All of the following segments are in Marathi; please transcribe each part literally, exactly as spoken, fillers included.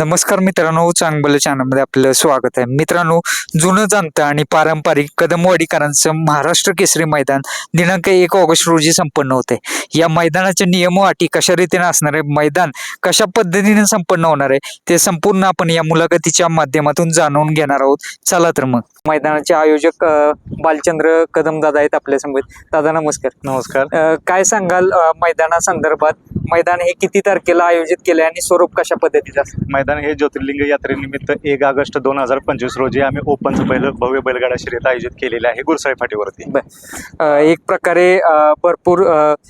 नमस्कार मित्रांनो, चांगलं चॅनलमध्ये आपलं स्वागत आहे. मित्रांनो, जुनं जाणतं आणि पारंपरिक कदमवाडीकरांचं महाराष्ट्र केसरी मैदान दिनांक एक ऑगस्ट रोजी संपन्न होते. या मैदानाचे नियम व अटी कशा रीतीने असणार आहे, मैदान कशा पद्धतीने संपन्न होणार आहे, ते संपूर्ण आपण या मुलाखतीच्या माध्यमातून जाणून घेणार आहोत. चला तर मग मैदानाचे आयोजक बालचंद्र कदम दादा आहेत आपल्या समोर. दादा नमस्कार. नमस्कार. काय सांगाल मैदानासंदर्भात? मैदान हे किती तारखेला आयोजित केले आणि स्वरूप कशा पद्धतीचं असतं? मैदान हे ज्योतिर्लिंग यात्रेनिमित्त एक ऑगस्ट दोन हजार पंचवीस रोजी आम्ही ओपनचं पहिलं भव्य बैलगाडा शर्यत आयोजित केलेले आहे गुरसाळी फाटीवरती. एक प्रकारे भरपूर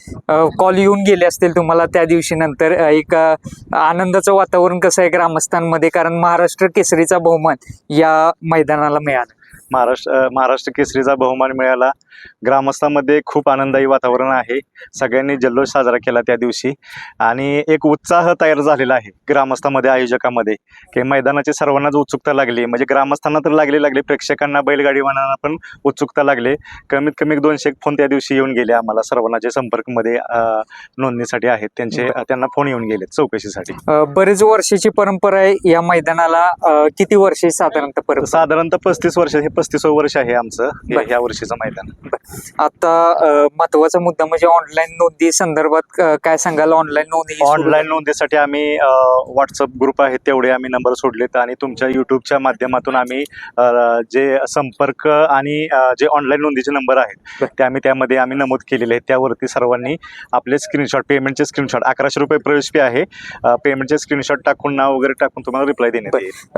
कॉल येऊन गेले असतील तुम्हाला त्या दिवशी. नंतर एक आनंदाचं वातावरण कसं आहे ग्रामस्थांमध्ये, कारण महाराष्ट्र केसरीचा बहुमान या मैदानाला मिळाला. महाराष्ट्र महाराष्ट्र केसरीचा बहुमान मिळाला. ग्रामस्थांमध्ये खूप आनंदायी वातावरण आहे. सगळ्यांनी जल्लोष साजरा केला त्या दिवशी आणि एक उत्साह तयार झालेला आहे ग्रामस्थांमध्ये, आयोजकांमध्ये, की मैदानाची सर्वांनाच उत्सुकता लागली. म्हणजे ग्रामस्थांना तर लागली लागली प्रेक्षकांना, बैलगाडीवानांना पण उत्सुकता लागली. कमीत कमी दोनशे फोन त्या दिवशी येऊन गेले आम्हाला. सर्वांना जे संपर्कमध्ये नोंदणीसाठी आहेत त्यांचे त्यांना फोन येऊन गेले चौकशीसाठी. बरेच वर्षाची परंपरा आहे या मैदानाला. किती वर्षे साधारणतः परंपरा? साधारणतः पस्तीस वर्ष. हे पस्तीसावं वर्ष आहे आमचं ह्या वर्षीचं मैदान. आता महत्वाचा मुद्दा म्हणजे ऑनलाईन नोंदी संदर्भात काय सांगाल? ऑनलाईन नोंदी ऑनलाईन नोंदीसाठी आम्ही व्हॉट्सअप ग्रुप आहेत तेवढे आम्ही नंबर सोडलेत आणि तुमच्या युट्यूबच्या माध्यमातून आम्ही जे संपर्क आणि जे ऑनलाईन नोंदीचे नंबर आहेत ते आम्ही त्यामध्ये आम्ही नमूद केलेले आहेत. त्यावरती सर्वांनी आपले स्क्रीनशॉट, पेमेंटचे स्क्रीनशॉट, अकराशे रुपये प्रवेश फी आहे, पेमेंटचे स्क्रीनशॉट टाकून नाव वगैरे टाकून तुम्हाला रिप्लाय देण्यात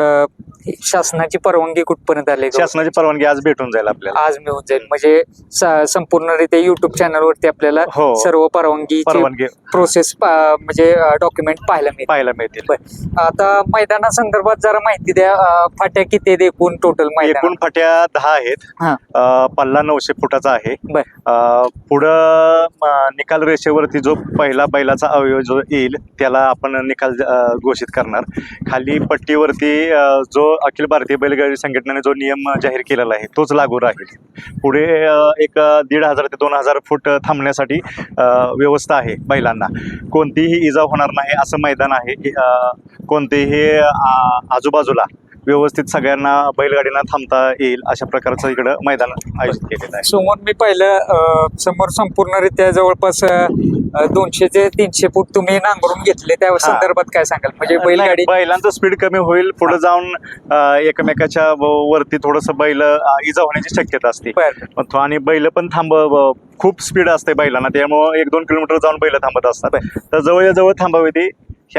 येईल. शासनाची परवानगी कुठपर्यंत आली? शासनाची परवानगी आज भेटून जाईल आपल्याला. आज मिळून जाईल म्हणजे संपूर्णरित्या युट्यूब चॅनलवरती आपल्याला सर्व परवानगी परवानगी प्रोसेस म्हणजे डॉक्युमेंट पाहायला मिळतील पाहायला मिळतील. आता मैदानासंदर्भात जरा माहिती द्या. फाट्या किती आहेत एकूण? टोटल एकूण फाट्या दहा आहेत. पल्ला नऊशे फुटाचा आहे. पुढं निकाल रेषेवरती जो पहिला बैलाचा अवयव जो येईल त्याला आपण निकाल घोषित करणार. खाली पट्टीवरती जो अखिल भारतीय बैलगाडी संघटनेने जो नियम जाहीर केलेला आहे तोच लागू राहील. पुढे एक दीड हजार ते दोन हजार फूट थांबण्यासाठी व्यवस्था आहे. बैलांना कोणतीही इजा होणार नाही असं मैदान आहे. कोणतेही आजूबाजूला व्यवस्थित सगळ्यांना बैलगाडीना थांबता येईल अशा प्रकारचं इकडं मैदान आयोजित केलेलं आहे. समोर मी पाहिलं, समोर संपूर्णरित्या जवळपास दोनशे ते तीनशे फूट तुम्ही नांगरून घेतले. त्या संदर्भात काय सांगाल? म्हणजे बैलगाडी बैलांचं स्पीड कमी होईल. पुढे जाऊन एकमेकाच्या वरती थोडस बैल इजा होण्याची शक्यता असते आणि बैल पण थांब खूप स्पीड असते बैलांना, त्यामुळे एक दोन किलोमीटर जाऊन बैल थांबत असतात. तर जवळ जवळ थांबावे ते हे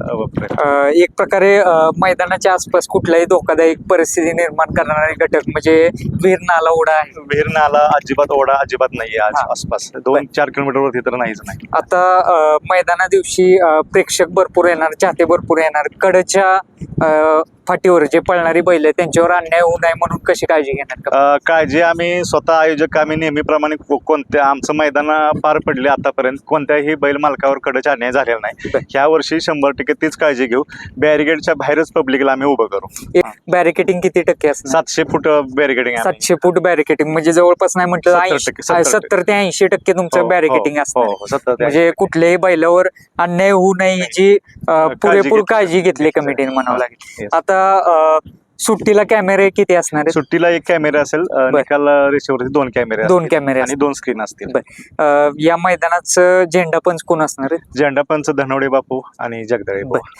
आमचं एक प्रकारे मैदानाच्या आसपास कुठलाही धोकादायक परिस्थिती निर्माण करणारे घटक म्हणजे विहीर, नाला, ओढा आहे? विहीर, नाला अजिबात, ओढा अजिबात नाहीये आसपास. दोन चार किलोमीटर वरती तर नाहीच नाही. आता मैदाना दिवशी प्रेक्षक भरपूर येणार, चाहते भरपूर येणार. कडच्या फाटीवर जे पळणारी बैल त्यांच्यावर अन्याय होऊ नये म्हणून कशी काळजी घेणार? काळजी आम्ही स्वतः आयोजक आम्ही नेहमीप्रमाणे कोणत्या आमचं मैदान पार पडले आतापर्यंत कोणत्याही बैल मालकावर कडचा अन्याय झालेला नाही. ह्या वर्षी शंभर टक्के तीच काळजी घेऊ. बॅरिगेडच्या बाहेरच पब्लिकला आम्ही उभं करू. बॅरिकेटिंग किती टक्के असणार? सातशे फूट बॅरिकेटिंग. सातशे फूट बॅरिकेटिंग म्हणजे जवळपास नाही म्हटलं सत्तर ते ऐंशी टक्के तुमचं बॅरिकेटिंग असतं. म्हणजे कुठल्याही बैलावर अन्याय होऊ नये याची पुरेपूर काळजी घेतली कमिटीने म्हणावं लागेल. आता सुट्टीला कॅमेरे किती असणार? सुट्टीला एक कॅमेरा असेल. निकाल रेषेवरती दोन कॅमेरे दोन कॅमेरे आणि दोन स्क्रीन असतील. या मैदानाचं झेंडा पंच कोण असणार आहे? झेंडा पंच धनवडे बापू आणि जगदळे.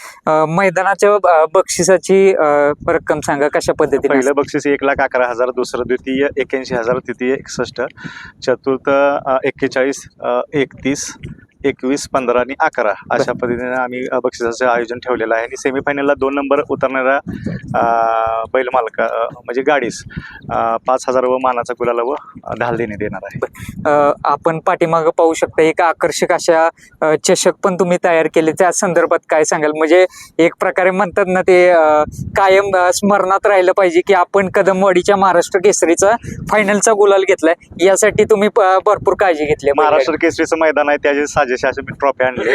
मैदानाच्या बक्षिसाची रक्कम सांगा कशा पद्धतीने? पहिलं बक्षीस एक लाख अकरा हजार, दुसरं द्वितीय एक्याऐंशी हजार, तृतीय एकसष्ट, चतुर्थ एक्केचाळीस, एकतीस, एकवीस, पंधरा आणि अकरा अशा पद्धतीने आम्ही बक्षिसाचं आयोजन ठेवलेलं आहे. आणि सेमीफायनलला दोन नंबर उतरणाऱ्या बैल मालका म्हणजे गाडीस पाच हजार व मानाचा गुलाल व ढाल देण्यात येणार आहे. आपण पाठीमागं पाहू शकता एक आकर्षक अशा चषक पण तुम्ही तयार केले. त्या संदर्भात काय सांगाल? म्हणजे एक प्रकारे म्हणतात ना ते कायम स्मरणात राहिलं पाहिजे की आपण कदमवाडीच्या महाराष्ट्र केसरीचा फायनलचा गुलाल घेतलाय. यासाठी तुम्ही भरपूर काळजी घेतली. महाराष्ट्र केसरीचं मैदान आहे त्याचे साजे माझ्याशी असे मी ट्रॉफी आणले.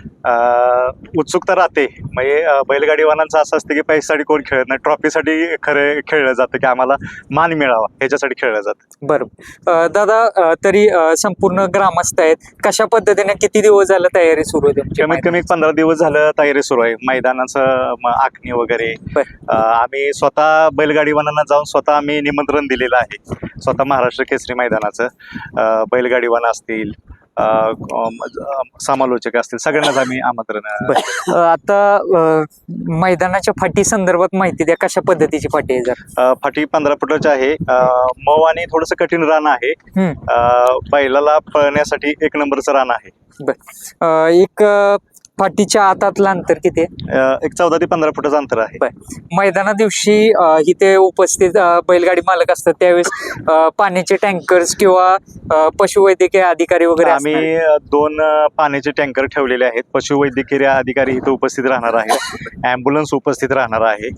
अं, उत्सुकता राहते म्हणजे अं, बैलगाडीवानांचं असं असतं की पैशासाठी कोण खेळत नाही, ट्रॉफीसाठी खरं खेळलं जातं की आम्हाला मान मिळावा ह्याच्यासाठी खेळलं जातं. बरोबर. अं, दादा अं, तरी अं, संपूर्ण ग्रामस्थ आहेत, कशा पद्धतीने किती दिवस झालं तयारी सुरू आहे तुमची? कमीत कमी पंधरा दिवस झालं तयारी सुरू आहे, मैदानाचं म, आखणी वगैरे. बर. अं, आम्ही स्वतः बैलगाडीवानांना जाऊन स्वतः आम्ही निमंत्रण दिलेलं आहे, स्वतः महाराष्ट्र केसरी मैदानाचं. अं, बैलगाडीवान असतील, अं, अं, समालोचक असतील, सगळ्यांनाच आम्ही आमंत्रण. अं, आता अं, मैदानाच्या फाटी संदर्भात माहिती द्या, कशा पद्धतीची फाटी आहे जर? अं, फाटी पंधरा फुटाची आहे, अं, मऊ आणि थोडस कठीण रान आहे. हम्म. अं, बैलाला पळण्यासाठी एक नंबरचं रान आहे. बर. अं, एक अं, फाटीच्या आतातलं अंतर किती आहे? अं, एक चौदा ते पंधरा फुटाचं अंतर आहे. बर. मैदाना दिवशी अं, इथे उपस्थित अं, बैलगाडी मालक असतात त्यावेळेस अं, पाण्याचे टँकर्स किंवा अं, पशुवैद्यकीय अधिकारी वगैरे आम्ही असणार आहेत? अं, दोन अं, पाण्याचे टँकर ठेवलेले आहेत. पशुवैद्यकीय अधिकारी इथे उपस्थित राहणार आहेत, ॲम्ब्युलन्स उपस्थित राहणार आहे.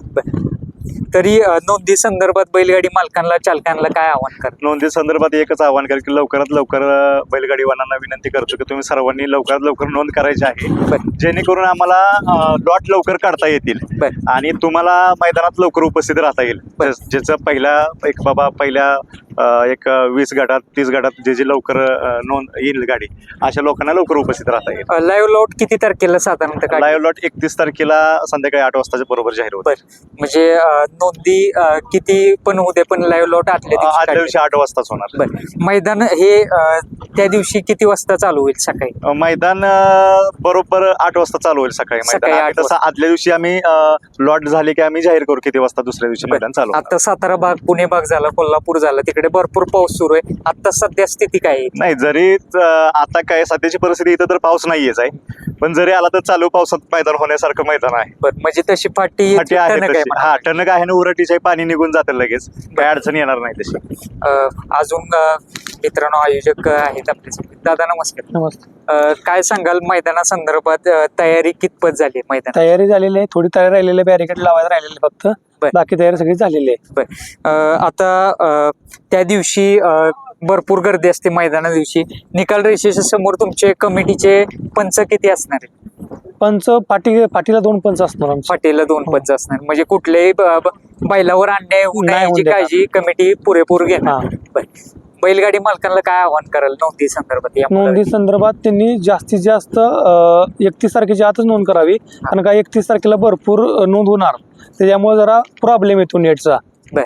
तरी अं, नोंदी संदर्भात बैलगाडी मालकांना चालकांना काय आव्हान कर? नोंदी संदर्भात एकच आवाहन करेल की लवकरात लवकर अं, बैलगाडीवानांना विनंती करतो की तुम्ही सर्वांनी लवकरात लवकर नोंद करायची आहे, जेणेकरून आम्हाला लॉट लवकर काढता येतील बर. आणि तुम्हाला मैदानात लवकर उपस्थित राहता येईल. बर. ज्याचं पहिल्या एक बाबा पहिल्या अं, एक वीस गटात तीस गटात जे जे लवकर अं, नोंद येईल गाडी, अशा लोकांना लवकर उपस्थित राहता येईल. लाईव्ह लॉट किती तारखेला साधारणतः काढ- लाईव्ह लॉट एकतीस तारखेला संध्याकाळी आठ वाजताच्या बरोबर जाहीर होत. म्हणजे अं, नोंदी अं, किती पण होऊ दे, पण लाईव्ह लॉट आदल्या दिवशी आदल्या काढले. दिवशी आठ वाजताच होणार. बर. मैदान हे अं, त्या दिवशी किती वाजता चालू होईल? सकाळी अं, मैदान अं, बरोबर आठ वाजता चालू होईल सकाळी सकाळी मैदान. आठ आम्ही तसं आदल्या दिवशी आम्ही लॉट झाले की आम्ही जाहीर करू किती वाजता दुसऱ्या दिवशी मैदान चालू होणार. आता सातारा भाग, पुणे भाग झाला, कोल्हापूर झाला, तिकडे भरपूर पाऊस सुरू आहे. आता सध्या स्थिती काय आहे? नाही, जरी अं, आता काय सध्याची परिस्थिती इथं तर पाऊस नाहीयेच आहे, पण जरी आला तर चालू पावसात मैदान होण्यासारखं मैदान आहे. बर. म्हणजे तशी फाटी फाटी आहे टणक आहे तशी. म्हणा. हा, टणक आहे ना, उरटीचे पाणी निघून जातं लगेच, काही अडचण येणार नाही तशी. अं, अजून अं, मित्रांनो आयोजक आहेत आपल्यासोबत. दादा नमस्कार. नमस्ते. अं, काय सांगाल मैदानासंदर्भात? अं, तयारी कितपत झाली आहे मैदान? तयारी झालेली आहे, थोडी तयारी राहिलेली आहे, बॅरिकेड लावायला राहिलेले फक्त, बर. बाकी तयारी सगळी झालेली आहे. बर. अं, आता अं, त्या दिवशी अं, भरपूर गर्दी असते मैदाना दिवशी. निकाल रेषेच्या समोर तुमचे कमिटीचे पंच किती असणार आहेत? पंच पाटी पाटीला दोन पंच असणार आमचे. फाटीला दोन पंच असणार, म्हणजे कुठल्याही ब- ब- बैलावर अन्याय होऊ नये नाही होऊ याची देणार. काळजी कमिटी पुरेपूर घेणार. हा. बर. बैलगाडी मालकांना काय आव्हान कराल नोंदी संदर्भात? या नोंदी संदर्भात त्यांनी जास्तीत जास्त एकतीस तारखेच्या आतच नोंद करावी, कारण का एकतीस तारखेला भरपूर अ, नोंद होणार, त्याच्यामुळे जरा प्रॉब्लेम येतो नेटचा, बर.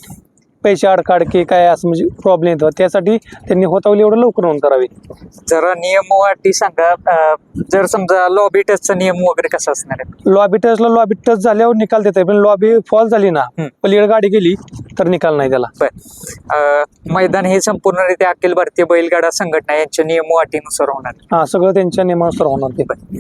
पैसे अडकाडके काय असं म्हणजे प्रॉब्लेम येतो, त्यासाठी त्यांनी होतावली एवढं लवकर नोंद करावी. जरा नियम वाटी सांगा. अं, जर समजा लॉबी टचचा नियम वगैरे कसा असणार आहे? लॉबी टचला लॉबी टच झाल्यावर निकाल देत आहे, पण लॉबी फॉल झाली ना, हम्म. पलीकडे गाडी गेली तर निकाल नाही त्याला. बर. अं, मैदान हे संपूर्णरित्या अखिल भारतीय बैलगाडा संघटना यांच्या नियम वाटीनुसार होणार. हा, सगळं त्यांच्या नियमानुसार होणार ते.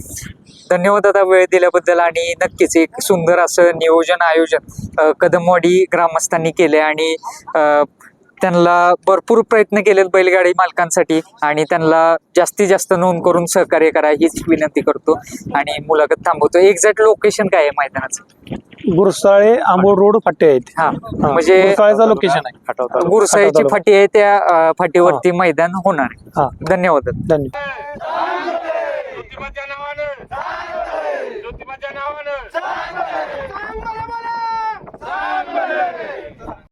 धन्यवाद दादा वेळ दिल्याबद्दल. आणि नक्कीच एक सुंदर असं नियोजन आयोजन अं, कदमवाडी ग्रामस्थांनी केले आणि अं, त्यांना भरपूर प्रयत्न केलेत बैलगाडी मालकांसाठी, आणि त्यांना जास्तीत जास्त नोंद करून सहकार्य करा हीच विनंती करतो आणि मुलाखत थांबवतो. एक्झॅक्ट लोकेशन काय आहे मैदानाचं? गुरसाळे आंबोड रोड फाटे आहेत. हा, हा, म्हणजे गुरसाळेचं लोकेशन आहे. हटवता गुरसाईची हटवता. फाटी आहे, त्या अं, फाटीवरती मैदान होणार आहे. हा, धन्यवाद. धन्यवाद. ज्योतिबाच्या नावानं ज्योतिबाच्या नावानं